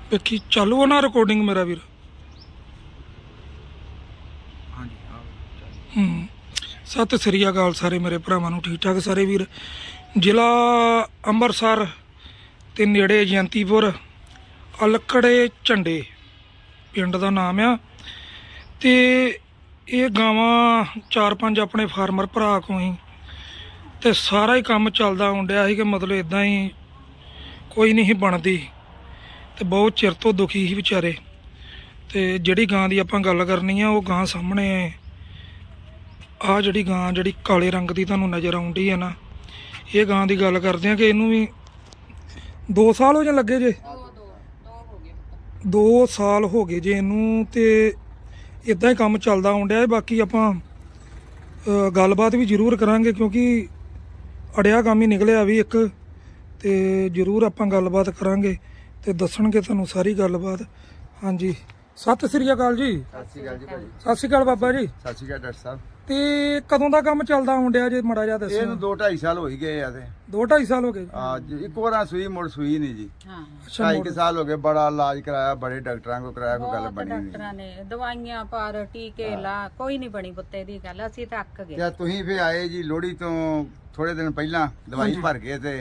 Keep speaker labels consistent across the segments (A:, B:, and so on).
A: ਵੇਖੀ ਚਾਲੂ ਆ ਨਾ ਰਿਕਾਰਡਿੰਗ ਮੇਰਾ ਵੀਰ। ਸਤਿ ਸ੍ਰੀ ਅਕਾਲ ਸਾਰੇ ਮੇਰੇ ਭਰਾਵਾਂ ਨੂੰ, ਠੀਕ ਠਾਕ ਸਾਰੇ ਵੀਰ। ਜ਼ਿਲ੍ਹਾ ਅੰਮ੍ਰਿਤਸਰ ਤੇ ਨੇੜੇ ਜਯੰਤੀਪੁਰ ਅਲਕੜੇ ਝੰਡੇ ਪਿੰਡ ਦਾ ਨਾਮ ਆ। ਤੇ ਇਹ ਗਾਵਾਂ 4-5 ਆਪਣੇ ਫਾਰਮਰ ਭਰਾ ਕੋਲ ਹੀ ਤੇ ਸਾਰਾ ਹੀ ਕੰਮ ਚੱਲਦਾ ਹੁੰਦਿਆ ਸੀ ਕਿ ਮਤਲਬ ਇਦਾਂ ਹੀ ਕੋਈ ਨਹੀਂ ਸੀ ਬਣਦੀ ਤੇ ਬਹੁਤ ਚਿਰ ਤੋਂ ਦੁਖੀ ਸੀ ਵਿਚਾਰੇ। ਤੇ ਜਿਹੜੀ ਗਾਂ ਦੀ ਆਪਾਂ ਗੱਲ ਕਰਨੀ ਆ ਉਹ ਗਾਂ ਸਾਹਮਣੇ ਆਹ ਜਿਹੜੀ ਗਾਂ ਜਿਹੜੀ ਕਾਲੇ ਰੰਗ ਦੀ ਤੁਹਾਨੂੰ ਨਜ਼ਰ ਆਉਂਦੀ ਹੈ ਨਾ, ਇਹ ਗਾਂ ਦੀ ਗੱਲ ਕਰਦੇ ਆ ਕਿ ਇਹਨੂੰ ਵੀ 2 ਸਾਲ ਹੋ ਜਾਂ ਲੱਗੇ ਜੇ 2 ਸਾਲ ਹੋ ਗਏ ਜੇ ਇਹਨੂੰ। ਤੇ ਇਦਾਂ ਹੀ ਕੰਮ ਚੱਲਦਾ ਆਉਂਦਿਆ। ਬਾਕੀ ਆਪਾਂ ਗੱਲਬਾਤ ਵੀ ਜ਼ਰੂਰ ਕਰਾਂਗੇ ਕਿਉਂਕਿ ਅੜਿਆ ਕੰਮ ਹੀ ਨਿਕਲਿਆ ਵੀ ਇੱਕ, ਤੇ ਜ਼ਰੂਰ ਆਪਾਂ ਗੱਲਬਾਤ ਕਰਾਂਗੇ ਤੇ ਦੱਸਣਗੇ ਤੁਹਾਨੂੰ ਸਾਰੀ ਗੱਲਬਾਤ। ਹਾਂਜੀ ਸਤਿ ਸ੍ਰੀ ਅਕਾਲ ਜੀ।
B: ਸਤਿ ਸ਼੍ਰੀ ਅਕਾਲ ਜੀ ਭਾਜੀ।
A: ਸਤਿ ਸ੍ਰੀ ਅਕਾਲ ਬਾਬਾ ਜੀ।
B: ਸਤਿ ਸ਼੍ਰੀ ਅਕਾਲ ਡਾਕਟਰ ਸਾਹਿਬ।
A: ਤੇ ਕਦੋਂ ਦਾ ਕੰਮ ਚੱਲਦਾ ਆਉਂਦਿਆ ਜੇ ਮਾੜਾ ਜਿਹਾ ਦੱਸੋ।
B: ਇਹਨੂੰ 2-2.5 ਸਾਲ ਹੋ ਹੀ ਗਏ ਆ ਤੇ
A: 2-2.5 ਸਾਲ ਹੋ ਗਏ।
B: ਅੱਜ ਇੱਕ ਵਾਰ ਸੂਈ ਮੁੜ ਸੂਈ ਨਹੀਂ ਜੀ।
A: ਅੱਛਾ
B: 2.5 ਸਾਲ ਹੋ ਗਏ, ਬੜਾ ਇਲਾਜ ਕਰਾਇਆ, ਬੜੇ ਡਾਕਟਰਾਂ ਕੋਲ ਕਰਾਇਆ, ਕੋਈ ਗੱਲ ਬਣੀ ਨਹੀਂ।
C: ਡਾਕਟਰਾਂ ਨੇ ਦਵਾਈਆਂ ਪਰ ਟੀਕੇ ਲਾ, ਕੋਈ ਨਹੀਂ ਬਣੀ ਪੁੱਤੇ ਦੀ ਗੱਲ। ਅਸੀਂ ਤਾਂ ਅੱਕ ਗਏ।
B: ਤੇ ਤੁਸੀਂ ਫੇ ਆਏ ਜੀ ਲੋਹੜੀ ਤੋਂ ਥੋੜੇ ਦਿਨ ਪਹਿਲਾਂ, ਦਵਾਈ ਭਰ ਗਏ ਤੇ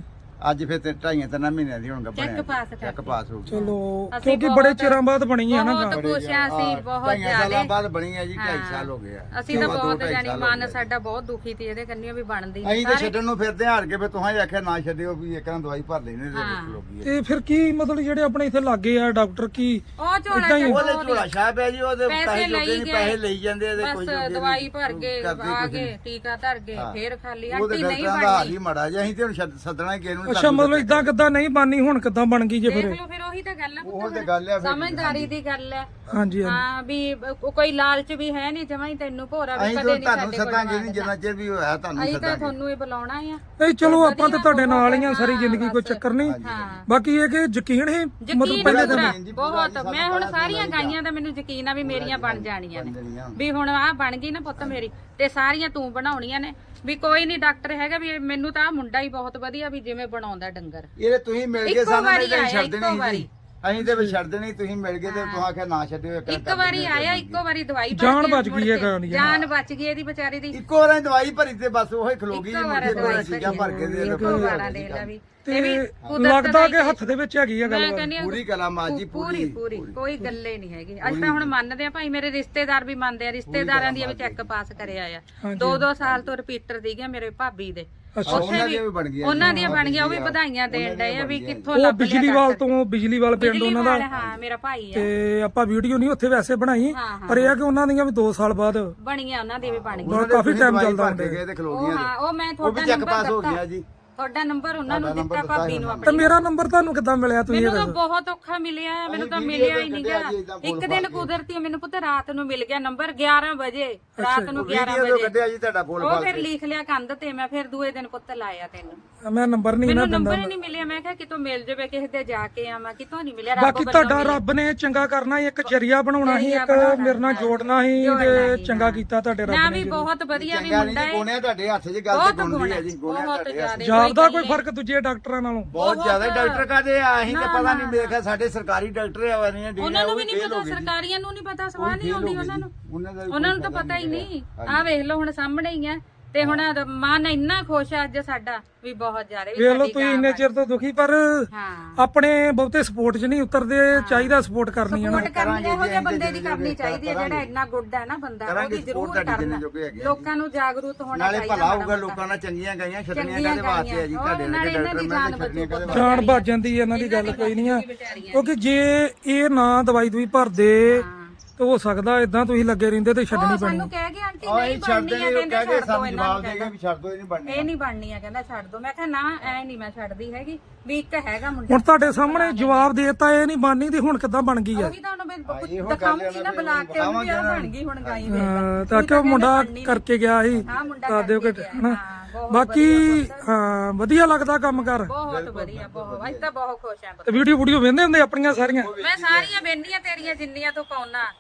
B: ਅੱਜ ਫਿਰ ਤੇ 2.5-3 ਮਹੀਨਿਆਂ ਦੀ ਹੁਣ
C: ਚੈੱਕ ਪਾਸ ਕਰ
B: ਚੈੱਕ ਪਾਸ ਹੋ ਗਈ।
A: ਚਲੋ ਕਿਉਂਕਿ ਬੜੇ ਚਿਰਾਂ ਬਾਅਦ ਬਣੀ ਆ ਨਾ
C: ਬਹੁਤ
A: ਗਾਂ।
C: ਖੁਸ਼ ਆ ਅਸੀਂ, ਬਹੁਤ
B: 2.5 ਸਾਲਾਂ
C: ਜ਼ਿਆਦਾ।
B: ਬਾਅਦ ਬਣੀ ਹੈ ਜੀ। 2.5 ਸਾਲ ਹੋ ਗਏ ਆ।
C: ਅਸੀਂ ਤਾਂ ਬਹੁਤ ਜਾਨੀ ਮਨ ਸਾਡਾ ਬਹੁਤ ਦੁਖੀ ਸੀ ਇਹਦੇ ਕੰਨੀਆਂ ਵੀ ਬਣਦੀ
B: ਅਸੀਂ ਤੇ ਛੱਡਣ ਨੂੰ ਫਿਰਦੇ ਹਾਰ ਕੇ, ਫਿਰ ਤੁਸੀਂ ਆਖਿਆ ਨਾ ਛੱਡਿਓ ਵੀ ਇੱਕ ਨਾਲ ਦਵਾਈ ਭਰ ਲੈਣੇ ਤੇ ਲੋਕੀ।
A: ਤੇ ਫਿਰ ਕੀ ਮਤਲਬ ਜਿਹੜੇ ਆਪਣੇ ਇੱਥੇ ਲਾਗੇ ਆ ਡਾਕਟਰ ਕੀ
C: ਉਹ ਝੋਲਾ
A: ਏਦਾਂ ਹੀ
B: ਉਹਦੇ ਝੋਲਾ ਛਾਪ ਪਿਆ ਜੀ, ਉਹਦੇ ਪੈਸੇ
C: ਲਈ
B: ਨਹੀਂ, ਪੈਸੇ ਲਈ ਜਾਂਦੇ ਤੇ
C: ਬਸ ਦਵਾਈ ਭਰ ਕੇ ਆ ਕੇ ਟੀਕਾ ਧਰ ਕੇ ਫੇਰ ਖਾਲੀ
B: ਉਹਦੇ
C: ਆਂਟੀ ਨਹੀਂ
B: ਡਾਕਟਰਾਂ ਦਾ ਹਾਲ
C: ਬਣਦੀ।
B: ਹੀ ਮਾੜਾ ਜਿਹਾ। ਅਸੀਂ ਤੇ ਹੁਣ ਸੱਦਣਾ ਹੀ ਕਿਸੇ ਨੂੰ।
A: ਅੱਛਾ ਮਤਲਬ ਇਦਾਂ ਕਿੱਦਾਂ ਨਹੀਂ ਬਾਨੀ ਹੁਣ ਕਿੱਦਾਂ ਬਣ ਗਈ ਜੇ
C: ਦੇਖ
A: ਫਿਰ।
C: ਲਓ ਫਿਰ ਉਹੀ ਤਾਂ ਗੱਲ ਆ
B: ਉਹ ਤੇ ਗੱਲ ਆ ਫਿਰ।
C: ਸਮਝਦਾਰੀ ਦੀ ਗੱਲ ਹੈ।
A: ਹਾਂਜੀ
C: ਹਾਂ ਵੀ ਕੋਈ ਲਾਲਚ ਵੀ ਹੈ ਨਹੀਂ ਜਮਾਂ ਹੀ ਤੈਨੂੰ ਭੋਰਾ ਵੀ
B: ਅਸੀਂ
C: ਕਦੇ
B: ਤਾਂ
C: ਨਹੀਂ
B: ਤੁਹਾਨੂੰ
C: ਸਾਡੇ ਕੋਲ
B: ਸੱਦਾਂਗੇ ਨਹੀਂ, ਜਿੰਨਾ ਚਿਰ ਵੀ ਹੋਇਆ ਤੁਹਾਨੂੰ
C: ਅਸੀਂ ਤਾਂ
B: ਸੱਦਾਂਗੇ।
C: ਤੁਹਾਨੂੰ ਹੀ ਬੁਲਾਉਣਾ ਆ।
A: ਨਹੀਂ ਚਲੋ ਆਪਾਂ ਤੇ ਤੁਹਾਡੇ ਨਾਲ ਹੀ ਆ ਸਾਰੀ ਜ਼ਿੰਦਗੀ, ਕੋਈ ਚੱਕਰ ਨਹੀਂ।
C: ਹਾਂ
A: ਬਾਕੀ ਇਹ ਕਿ ਯਕੀਨ ਹੈ ਮਤਲਬ
C: ਯਕੀਨ
A: ਪਹਿਲੇ
C: ਪੂਰਾ,
A: ਦਿਨ
C: ਬਹੁਤ। ਮੈਂ ਹੁਣ ਸਾਰੀਆਂ ਗਾਈਆਂ ਦਾ ਮੈਨੂੰ ਯਕੀਨ ਆ ਵੀ ਮੇਰੀਆਂ ਬਣ ਜਾਣੀਆਂ ਨੇ, ਵੀ ਹੁਣ ਆਹ ਬਣ ਗਈ ਨਾ ਪੁੱਤ ਮੇਰੀ, ਤੇ ਸਾਰੀਆਂ ਤੂੰ ਬਣਾਉਣੀਆਂ ਨੇ। ਵੀ ਕੋਈ ਨਹੀਂ ਡਾਕਟਰ ਹੈਗਾ ਵੀ ਮੈਨੂੰ ਤਾਂ ਆਹ ਮੁੰਡਾ ਹੀ ਬਹੁਤ ਵਧੀਆ ਵੀ ਜਿਵੇਂ ਬਣਾਉਂਦਾ ਡੰਗਰ।
B: ਇਹ ਤੁਸੀਂ ਮਿਲ ਗਏ
C: ਇੱਕੋ
B: ਸਾਨੂੰ,
C: ਵਾਰੀ
B: ਨਹੀਂ
C: ਆਇਆ,
B: ਛੱਡ
C: ਇੱਕੋ
B: ਦੇਣੀ
C: ਵਾਰੀ।
B: ਸੀ। ਅਸੀਂ ਤੇ ਵੀ ਛੱਡ ਦੇਣੀ, ਤੁਸੀਂ ਮਿਲ ਗਏ ਤੇ ਤੁਸੀਂ ਆਖਿਆ ਨਾ ਛੱਡਿਓ।
C: ਇੱਕ ਵਾਰੀ ਆਇਆ, ਇੱਕੋ ਵਾਰੀ ਦਵਾਈ ਭਰ
A: ਜਾਨ
C: ਕੇ
A: ਬਚ ਗਈ ਹੈ ਗਾਂ ਦੀ।
C: ਜਾਨ ਬਚ ਗਈ ਇਹਦੀ ਵਿਚਾਰੀ ਦੀ।
B: ਇੱਕੋ ਵਾਰ ਦਵਾਈ ਭਰੀ ਤੇ ਬਸ ਉਹ ਹੀ ਖਲੋ ਗਈ ਜੀ।
C: ਇੱਕੋ ਵਾਰ
B: ਮੁੰਡੇ ਕੋਲ
C: ਦਵਾਈ
B: ਚੀਜ਼ਾਂ ਭਰ ਕੇ ਦੇ
C: ਇੱਕੋ ਵਾਰਾਂ ਦੇ ਲਾ ਵੀ।
A: ਤੇ ਲੱਗਦਾ ਕਿ ਹੱਥ ਦੇ ਵਿੱਚ ਹੈਗੀ ਆ
C: ਮੈਂ
A: ਗੱਲ।
C: ਕਹਿੰਦੀ
B: ਪੂਰੀ ਕਲਾਮਾਤ ਜੀ,
C: ਪੂਰੀ ਪੂਰੀ ਕੋਈ ਗੱਲੇ ਨਹੀਂ ਹੈਗੀ। ਅਸੀਂ ਤਾਂ ਹੁਣ ਮੰਨਦੇ ਆ ਭਾਈ, ਮੇਰੇ ਰਿਸ਼ਤੇਦਾਰ ਵੀ ਮੰਨਦੇ ਆ, ਰਿਸ਼ਤੇਦਾਰਾਂ ਦੀ ਵੀ ਚੈੱਕ ਪਾਸ ਕਰਿਆ ਆ। 2-2 ਸਾਲ ਤੋਂ ਰਿਪੀਟਰ ਸੀਗੇ ਮੇਰੇ ਭਾਬੀ ਦੇ।
B: ਉਹਨਾਂ ਦੀਆਂ ਵੀ ਬਣ ਗਈਆਂ।
C: ਉਹਨਾਂ ਦੀਆਂ ਬਣ ਗਈਆਂ, ਉਹ ਵੀ ਵਧਾਈਆਂ ਦੇਣ ਡਏ ਆ ਵੀ ਕਿੱਥੋਂ
A: ਉਹ
C: ਲੱਭ
A: ਬਿਜਲੀਵਾਲ ਤੋਂ, ਬਿਜਲੀਵਾਲ ਪਿੰਡ ਉਹਨਾਂ ਦਾ।
C: ਹਾਂ ਮੇਰਾ ਭਾਈ ਆ।
A: ਤੇ ਆਪਾਂ ਵੀਡੀਓ ਨਹੀਂ ਉੱਥੇ ਵੈਸੇ ਬਣਾਈ, ਪਰ ਇਹ ਆ ਕਿ ਉਹਨਾਂ ਦੀਆਂ ਵੀ 2 ਸਾਲ ਬਾਅਦ
C: ਬਣੀਆਂ, ਉਹਨਾਂ ਦੀ ਵੀ ਬਣ ਗਈ।
A: ਬਹੁਤ ਕਾਫੀ ਟਾਈਮ ਚੱਲਦਾ
B: ਭਰ ਕੇ ਗਏ ਤੇ ਖਲੋ
C: ਉਹ
B: ਗਈਆਂ।
C: ਹਾਂ ਉਹ ਮੈਂ
B: ਉਹ ਵੀ
C: ਤੁਹਾਡਾ
B: ਚੈੱਕ ਪਾਸ ਹੋ ਗਿਆ ਜੀ।
C: ਤੁਹਾਡਾ ਨੰਬਰ ਉਹਨਾਂ ਨੂੰ ਦਿੱਤਾ, ਭਾਬੀ ਨੂੰ
A: ਤੇ
C: ਆਪਣੀ।
A: ਮੇਰਾ ਨੰਬਰ ਤੁਹਾਨੂੰ ਕਿੱਦਾਂ ਮਿਲਿਆ ਤੁਸੀਂ ਇਹ
C: ਮੈਨੂੰ ਤਾਂ
A: ਦੱਸੋ।
C: ਬਹੁਤ ਔਖਾ ਮਿਲਿਆ, ਮੈਨੂੰ ਤਾਂ ਮਿਲਿਆ ਹੀ ਨਹੀਂਗਾ। ਇੱਕ ਦਿਨ ਕੁਦਰਤੀ ਮੈਨੂੰ ਪੁੱਤ ਰਾਤ ਨੂੰ ਮਿਲ ਗਿਆ ਨੰਬਰ 11 ਵਜੇ, ਰਾਤ ਨੂੰ 11
B: ਵੀਡੀਓ
C: ਵਜੇ
B: ਕੱਢਿਆ ਜੀ ਤੁਹਾਡਾ ਫੋਨ
C: ਉਹ ਫਿਰ ਲਿਖ ਲਿਆ ਕੰਧ ਤੇ। ਮੈਂ ਫਿਰ ਦੂਏ ਦਿਨ ਪੁੱਤ ਲਾਇਆ ਤੈਨੂੰ।
A: ਮੈਂ ਨੰਬਰ ਨਹੀਂ ਨਾ
C: ਮੈਨੂੰ
A: ਦਿੰਦਾ।
C: ਨੰਬਰ ਹੀ ਨਹੀਂ ਮਿਲਿਆ। ਮੈਂ ਕਿਹਾ ਕਿਤੋਂ ਮਿਲ ਜਾਵੇ, ਕਿਸੇ ਦੇ ਜਾ ਕੇ ਆਵਾਂ, ਕਿਤੋਂ ਨਹੀਂ ਮਿਲਿਆ।
A: ਬਾਕੀ ਤੁਹਾਡਾ ਰੱਬ ਨੇ ਚੰਗਾ ਕਰਨਾ ਸੀ, ਇੱਕ ਜਰੀਆ ਬਣਾਉਣਾ ਸੀ, ਇੱਕ ਮੇਰੇ ਨਾਲ ਜੋੜਨਾ ਸੀ ਤੇ ਚੰਗਾ ਕੀਤਾ ਤੁਹਾਡੇ ਰੱਬ
C: ਨਾ
A: ਨੇ।
C: ਵੀ ਬਹੁਤ ਵਧੀਆ ਵੀ
B: ਚੰਗਾ
C: ਮੁੰਡਾ
B: ਨਹੀਂ
C: ਹੈ,
B: ਗੋਣਿਆ ਤੁਹਾਡੇ ਹੱਥ 'ਚ ਗੱਲ ਤੇ ਗੁੰਦੀ ਹੈ ਜੀ। ਗੋਣਿਆ
C: ਬਹੁਤ
B: ਤੁਹਾਡੇ ਹੱਥ 'ਚ।
C: ਜ਼ਿਆਦਾ।
A: ਜਾਪਦਾ ਕੋਈ ਫਰਕ ਦੂਜੇ ਡਾਕਟਰਾਂ ਨਾਲੋਂ?
B: ਬਹੁਤ ਜ਼ਿਆਦਾ ਡਾਕਟਰ ਕਾਦੇ ਆ, ਅਸੀਂ ਤੇ ਪਤਾ ਨਹੀਂ ਮੇਖਾ ਸਾਡੇ ਸਰਕਾਰੀ ਡਾਕਟਰ ਆ ਵਾਰੀਆਂ ਡੀਆਂ।
C: ਉਹਨਾਂ ਨੂੰ ਵੀ ਨਹੀਂ ਪਤਾ, ਸਰਕਾਰੀਆਂ ਨੂੰ ਨਹੀਂ ਪਤਾ, ਸਵਾਹ ਨਹੀਂ ਆਉਂਦੀ ਉਹਨਾਂ ਨੂੰ। ਉਹਨਾਂ ਨੂੰ ਤਾਂ ਪਤਾ ਹੀ ਨਹੀਂ। ਆਹ ਵੇਖ ਲਓ ਹੁਣ ਸਾਹਮਣੇ ਹੀ ਆ। ਤੇ ਹੁਣ ਮਨ ਇੰਨਾ ਖੁਸ਼ ਆ ਅੱਜ ਸਾਡਾ ਵੀ ਬਹੁਤ ਜ਼ਿਆਦਾ।
A: ਵੇਖ ਲਓ ਤੁਸੀਂ ਇੰਨੇ ਚਿਰ ਤੋਂ ਦੁਖੀ, ਪਰ ਆਪਣੇ ਬਹੁਤੇ ਸਪੋਰਟ 'ਚ ਨਹੀਂ ਉਤਰਦੇ। ਚਾਹੀਦਾ ਸਪੋਰਟ ਕਰਨੀ ਹੈ ਨਾ।
C: ਸਪੋਰਟ ਕਰਨੀ ਇਹੋ ਜਿਹੇ ਬੰਦੇ ਦੀ ਕਰਨੀ ਚਾਹੀਦੀ ਹੈ, ਜਿਹੜਾ ਇੰਨਾ ਗੁੱਡ ਹੈ ਨਾ ਬੰਦਾ, ਉਹਦੀ ਜ਼ਰੂਰ ਕਰਨਾ। ਲੋਕਾਂ ਨੂੰ ਜਾਗਰੂਕ ਹੋਣਾ
B: ਨਾਲੇ
C: ਚਾਹੀਦਾ।
B: ਭਲਾ ਹੋਊਗਾ, ਲੋਕਾਂ ਨਾਲ ਚੰਗੀਆਂ ਗਾਈਆਂ ਛੱਡਣੀਆਂ ਕਾਦੇ ਵਾਸਤੇ ਆ ਜੀ। ਤੁਹਾਡੇ ਨਾਲ ਡਾਕਟਰ ਮੈਂ ਛੱਡਣੀਆਂ ਕਾਦੇ ਵਾਸਤੇ।
A: ਜਾਨ ਭੱਜ ਜਾਂਦੀ ਹੈ, ਇਹਨਾਂ ਦੀ ਗੱਲ ਕੋਈ ਨਹੀਂ ਆ। ਕਿਉਂਕਿ ਜੇ ਇਹ ਨਾ ਦਵਾਈ ਦੂਈ ਭਰਦੇ ਤੇ ਹੋ ਸਕਦਾ ਇਦਾਂ ਤੁਸੀਂ ਲੱਗੇ ਰਹਿੰਦੇ ਤੇ ਛੱਡਣੀ ਪੈਣੀ।
C: ਸਾਨੂੰ ਕਹਿ ਗਏ ਆਂਟੀ ਨਹੀਂ
B: ਛੱਡ
C: ਬਣਨੀ ਆ,
B: ਦੇਣੀ,
C: ਕਹਿੰਦੇ
B: ਕਹਿ ਕੇ
C: ਛੱਡ ਦੋ
B: ਸਾਨੂੰ
C: ਇਹਨਾਂ
B: ਜਵਾਬ
C: ਨੂੰ।
B: ਦੇ ਗਏ ਵੀ ਛੱਡ ਦੋ, ਇਹ ਨਹੀਂ ਬਣਨੀ।
C: ਇਹ ਨਹੀਂ ਬਣਨੀ ਆ, ਕਹਿੰਦਾ ਛੱਡ ਦੋ। ਮੈਂ ਕਿਹਾ ਨਾ ਐ ਨਹੀਂ ਮੈਂ ਛੱਡਦੀ ਹੈਗੀ, ਵੀ ਇੱਕ ਹੈਗਾ ਮੁੰਡਾ।
A: ਹੁਣ ਤੁਹਾਡੇ ਸਾਹਮਣੇ ਜਵਾਬ ਦੇਤਾ ਇਹ ਨਹੀਂ ਬਣਨੀ, ਤੇ ਹੁਣ ਕਿੱਦਾਂ ਬਣ ਗਈ ਆ?
C: ਉਹੀ ਤਾਂ ਉਹਨੂੰ ਮੈਂ ਦਿਖਾਉਂਗੀ ਨਾ, ਬੁਲਾ ਕੇ ਉਹਨੂੰ ਵੀ ਆ ਬਣ ਗਈ ਹੁਣ ਗਾਈ ਵੇਖ।
A: ਤਾਂ ਕਿ ਉਹ ਮੁੰਡਾ ਕਰਕੇ ਗਿਆ ਸੀ,
C: ਹਾਂ ਮੁੰਡਾ
A: ਦੱਸ ਦਿਓ ਕਿ ਹਨਾ।
C: ਬਹੁਤ
A: ਬਾਕੀ ਹਾਂ ਵਧੀਆ ਲੱਗਦਾ ਕੰਮ ਕਰ।
C: ਬਹੁਤ ਵਧੀਆ, ਬਹੁਤ। ਅਸੀਂ ਤਾਂ ਬਹੁਤ ਖੁਸ਼ ਆਂ।
A: ਤੇ ਵੀਡੀਓ ਵੇਖਦੇ ਹੁੰਦੇ ਆਪਣੀਆਂ ਸਾਰੀਆਂ?
C: ਮੈਂ ਸਾਰੀਆਂ ਵੇਖਨੀਆਂ ਤੇਰੀਆਂ ਜਿੰਨੀਆਂ ਤੂੰ ਪਾਉਣਾ।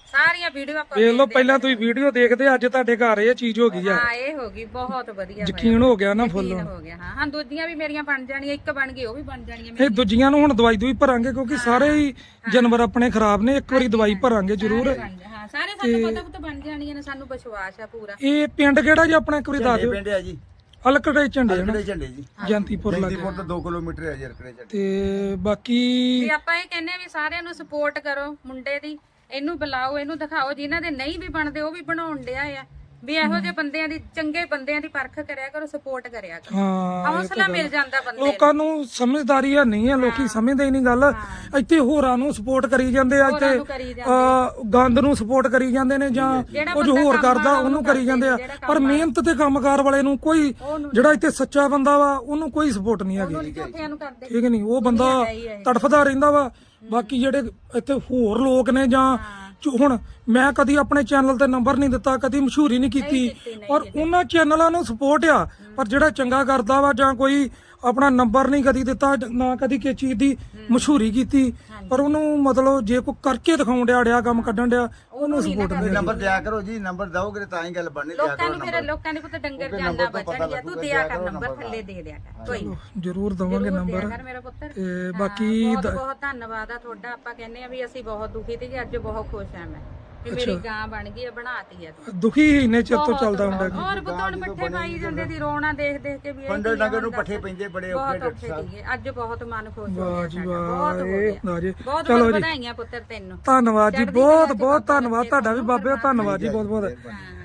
C: ਸਾਰੀਆਂ ਵੀਡੀਓ ਆਪਾਂ
A: ਵੇਖ ਲਓ, ਪਹਿਲਾਂ ਤੁਸੀਂ ਵੀਡੀਓ ਦੇਖਦੇ, ਅੱਜ ਤੁਹਾਡੇ ਘਰ ਇਹ ਚੀਜ਼ ਹੋ ਗਈ ਆ।
C: ਹਾਂ ਇਹ ਹੋ ਗਈ ਬਹੁਤ ਵਧੀਆ
A: ਯਕੀਨ ਹੋ ਗਿਆ ਨਾ ਫੁੱਲ।
C: ਹੋ ਗਿਆ ਹਾਂ। ਹਾਂ ਦੂਜੀਆਂ ਵੀ ਮੇਰੀਆਂ ਬਣ ਜਾਣੀਆਂ, ਇੱਕ ਬਣ ਗਈ ਉਹ ਵੀ ਬਣ ਜਾਣੀਆਂ
A: ਇਹ ਦੂਜੀਆਂ ਨੂੰ ਹੁਣ ਦਵਾਈ ਦੂਈ ਭਰਾਂਗੇ, ਕਿਉਂਕਿ ਸਾਰੇ ਹੀ ਜਾਨਵਰ ਆਪਣੇ ਖਰਾਬ ਨੇ। ਇੱਕ ਵਾਰੀ ਦਵਾਈ ਭਰਾਂਗੇ ਜ਼ਰੂਰ।
C: ਹਾਂ ਸਾਰੇ ਸਾਨੂੰ ਪਤਾ ਪੁੱਤ ਬਣ ਜਾਣੀਆਂ ਨੇ, ਸਾਨੂੰ ਵਿਸ਼ਵਾਸ ਆ ਪੂਰਾ।
A: ਇਹ ਪਿੰਡ ਕਿਹੜਾ ਜੀ ਆਪਣਾ, ਇੱਕ ਵਾਰੀ ਦੱਸ ਦਿਓ।
B: ਪਿੰਡ ਹੈ ਜੀ
A: ਅਲਕੜੇ ਝੰਡੇ ਨਾ,
B: ਅਲਕੜੇ ਝੰਡੇ ਜੀ,
A: ਜੰਤੀਪੁਰ ਲੱਗੇ।
B: ਜੰਤੀਪੁਰ ਤੋਂ 2 ਕਿਲੋਮੀਟਰ ਹੈ ਜੀ ਅਲਕੜੇ ਝੰਡੇ।
A: ਤੇ ਬਾਕੀ
C: ਵੀ ਆਪਾਂ ਇਹ ਕਹਿੰਦੇ ਆ ਵੀ ਸਾਰਿਆਂ ਨੂੰ ਸਪੋਰਟ ਕਰੋ ਮੁੰਡੇ ਦੀ, ਇਹਨੂੰ ਬੁਲਾਓ, ਇਹਨੂੰ ਦਿਖਾਓ। ਜਿਨ੍ਹਾਂ ਦੇ ਨਹੀਂ ਵੀ ਬਣਦੇ ਉਹ ਵੀ ਬਣਾਉਣ ਡਿਆ ਆ। ਵੀ ਇਹੋ ਜਿਹੇ ਬੰਦਿਆਂ ਦੀ, ਚੰਗੇ ਬੰਦਿਆਂ ਦੀ ਪਰਖ ਕਰਿਆ ਕਰੋ, ਸਪੋਰਟ ਕਰਿਆ ਕਰੋ।
A: ਹਾਂ,
C: ਹੌਸਲਾ ਮਿਲ ਜਾਂਦਾ ਬੰਦੇ ਨੂੰ।
A: ਲੋਕਾਂ ਨੂੰ ਸਮਝਦਾਰੀ ਹੈ ਨਹੀਂ ਹੈ, ਲੋਕੀ ਸਮਝਦੇ ਹੀ ਨਹੀਂ ਗੱਲ। ਇੱਥੇ ਹੋਰਾਂ ਨੂੰ ਸਪੋਰਟ ਕਰੀ ਜਾਂਦੇ ਆ,
C: ਹੋਰਾਂ ਨੂੰ
A: ਇੱਥੇ
C: ਕਰੀ ਜਾਂਦੇ
A: ਗੰਦ ਨੂੰ ਸਪੋਰਟ ਕਰੀ ਜਾਂਦੇ ਨੇ, ਜਾਂ ਕੁਝ ਹੋਰ ਕਰਦਾ ਉਹਨੂੰ ਕਰੀ ਜਾਂਦੇ ਆ। ਪਰ ਮਿਹਨਤ ਤੇ ਕੰਮਕਾਰ ਵਾਲੇ ਨੂੰ ਕੋਈ, ਜਿਹੜਾ ਇੱਥੇ ਸੱਚਾ ਬੰਦਾ ਵਾ ਉਹਨੂੰ ਕੋਈ ਸਪੋਰਟ ਨਹੀਂ ਹੈਗੀ,
C: ਝੂਠਿਆਂ ਨੂੰ ਕਰਦੇ।
A: ਠੀਕ ਨਹੀਂ? ਉਹ ਬੰਦਾ ਤੜਫਦਾ ਰਹਿੰਦਾ ਵਾ। ਬਾਕੀ ਜਿਹੜੇ ਇੱਥੇ ਹੋਰ ਲੋਕ ਨੇ, ਜਾਂ ਹੁਣ ਮੈਂ ਕਦੀ ਆਪਣੇ ਚੈਨਲ ਤੇ ਨੰਬਰ ਨਹੀਂ ਦਿੱਤਾ, ਕਦੀ ਮਸ਼ਹੂਰੀ ਨਹੀਂ ਕੀਤੀ, ਔਰ ਉਹਨਾਂ ਚੈਨਲਾਂ ਨੂੰ ਸਪੋਰਟ ਆ। ਪਰ ਜਿਹੜਾ ਚੰਗਾ ਕਰਦਾ ਵਾ, ਜਾਂ ਕੋਈ ਆਪਣਾ ਨੰਬਰ ਨਹੀਂ ਕਦੀ ਦਿੱਤਾ, ਨਾ ਕਦੀ ਕਿਸੇ ਚੀਜ਼ ਦੀ ਮਸ਼ਹੂਰੀ ਕੀਤੀ, ਪਰ ਉਹਨੂੰ ਮਤਲਬ ਜੇ ਕੋਈ ਕਰਕੇ ਦਿਖਾਉਣ ਡਿਆ ਕੰਮ ਕੱਢਣ ਡਿਆ, ਉਹਨੂੰ ਸਪੋਰਟ ਨਹੀਂ।
B: ਨੰਬਰ ਦਿਆ ਕਰੋ ਜੀ, ਨੰਬਰ ਦਓਗੇ ਤਾਂ ਹੀ ਗੱਲ ਬਣਨੀ। ਦਿਆ
C: ਲੋਕਾਂ ਨੂੰ ਫਿਰ ਲੋਕਾਂ ਨੇ ਪੁੱਤ ਡੰਗਰ ਜਾਨਣਾ ਬਚਣਗੇ, ਤੂੰ ਦਿਆ ਕਰ ਨੰਬਰ, ਥੱਲੇ ਦੇ ਦਿਆ ਕਰ। ਕੋਈ
A: ਜ਼ਰੂਰ ਦਵਾਂਗੇ ਨੰਬਰ।
C: ਕਰ ਮੇਰਾ ਪੁੱਤਰ।
A: ਤੇ ਬਾਕੀ
C: ਬਹੁਤ ਬਹੁਤ ਧੰਨਵਾਦ ਆ ਤੁਹਾਡਾ। ਆਪਾਂ ਕਹਿੰਦੇ ਆ ਵੀ ਅਸੀਂ ਬਹੁਤ ਦੁਖੀ ਤੇ ਅੱਜ ਬਹੁਤ ਖੁਸ਼ ਆ ਮੈਂ ਵੀ ਮੇਰੀ ਗਾਂ ਬਣ ਗਈ ਆ, ਬਣਾਤੀ ਆ ਤੂੰ।
A: ਦੁਖੀ ਇੰਨੇ ਚਿਰ ਤੋਂ ਚੱਲਦਾ ਹੁੰਦਾ।
C: ਔਰ ਬਤੌਣ ਪੱਠੇ ਪਾਈ ਜਾਂਦੇ ਦੀ ਰੋਣਾ ਦੇਖ ਦੇਖ ਕੇ ਵੀ ਇਹ
B: ਪੰਡਰ ਡੰਗਰ ਨੂੰ ਪੱਠੇ ਪੈਂਦੇ ਬੜੇ ਔਖੇ ਡਾਕਟਰ ਸਾਹਿਬ।
C: ਅੱਜ ਬਹੁਤ ਮਨ ਖੁਸ਼ ਹੋ
A: ਵਾਹ
C: ਗਿਆ
A: ਜੀ
C: ਸਾਡਾ,
A: ਵਾਹ,
C: ਬਹੁਤ ਹੋ
A: ਇਹ
C: ਗਿਆ।
A: ਨਾ ਜੀ।
C: ਬਹੁਤ
A: ਚਲੋ
C: ਬਹੁਤ
A: ਜੀ,
C: ਵਧਾਈਆਂ ਪੁੱਤਰ ਤੈਨੂੰ।
A: ਧੰਨਵਾਦ ਜੀ, ਬਹੁਤ ਬਹੁਤ ਧੰਨਵਾਦ ਤੁਹਾਡਾ ਵੀ ਬਾਬੇ, ਧੰਨਵਾਦ ਜੀ ਬਹੁਤ ਬਹੁਤ।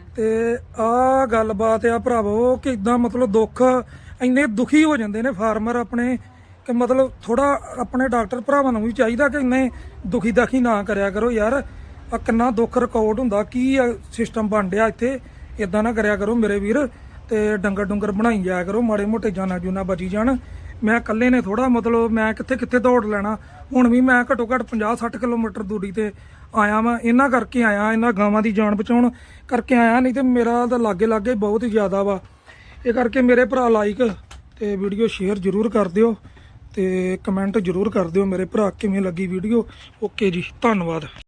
A: ਤੇ ਆਹ ਗੱਲਬਾਤ ਆ ਭਰਾਵੋ, ਕਿ ਇਦਾਂ ਮਤਲਬ ਦੁੱਖ, ਇੰਨੇ ਦੁਖੀ ਹੋ ਜਾਂਦੇ ਨੇ ਫਾਰਮਰ ਆਪਣੇ, ਕਿ ਮਤਲਬ ਥੋੜਾ ਆਪਣੇ ਡਾਕਟਰ ਭਰਾਵਾਂ ਨੂੰ ਵੀ ਚਾਹੀਦਾ ਕਿ ਇੰਨੇ ਦੁਖੀ ਦਾਖੀ ਨਾ ਕਰਿਆ ਕਰੋ ਯਾਰ। ਆ ਕਿੰਨਾ ਦੁੱਖ ਰਿਕਾਰਡ ਹੁੰਦਾ, ਕੀ ਸਿਸਟਮ ਬਣ ਡਿਆ ਇੱਥੇ, ਇਦਾਂ ਨਾ ਕਰਿਆ ਕਰੋ ਮੇਰੇ ਵੀਰ। ਤੇ ਡੰਗਰ ਡੁੰਗਰ ਬਣਾਈ ਜਾਇਆ ਕਰੋ, ਮਾੜੇ ਮੋਟੇ ਜਾਨਾਂ ਜੂਨਾਂ ਬਚੀ ਜਾਣ। ਮੈਂ ਇਕੱਲੇ ਨੇ ਥੋੜਾ ਮਤਲਬ ਮੈਂ ਕਿੱਥੇ ਕਿੱਥੇ ਦੌੜ ਲੈਣਾ। ਹੁਣ ਵੀ ਮੈਂ ਘੱਟੋ ਘੱਟ 50-60 ਕਿਲੋਮੀਟਰ ਦੂਰੀ ਤੇ ਆਇਆ ਵਾਂ, ਇਹਨਾਂ ਕਰਕੇ ਆਇਆ, ਇਹਨਾਂ ਗਾਵਾਂ ਦੀ ਜਾਨ ਬਚਾਉਣ ਕਰਕੇ ਆਇਆ। ਨਹੀਂ ਤੇ ਮੇਰਾ ਤਾਂ ਲਾਗੇ ਲਾਗੇ ਬਹੁਤ ਹੀ ਜ਼ਿਆਦਾ ਵਾ। ਇਹ ਕਰਕੇ ਮੇਰੇ ਭਰਾ ਲਾਈਕ ਤੇ ਵੀਡੀਓ ਸ਼ੇਅਰ ਜ਼ਰੂਰ ਕਰ ਦਿਓ, ਤੇ ਕਮੈਂਟ ਜ਼ਰੂਰ ਕਰ ਦਿਓ ਮੇਰੇ ਭਰਾ ਕਿਵੇਂ ਲੱਗੀ ਵੀਡੀਓ। ਓਕੇ ਜੀ, ਧੰਨਵਾਦ।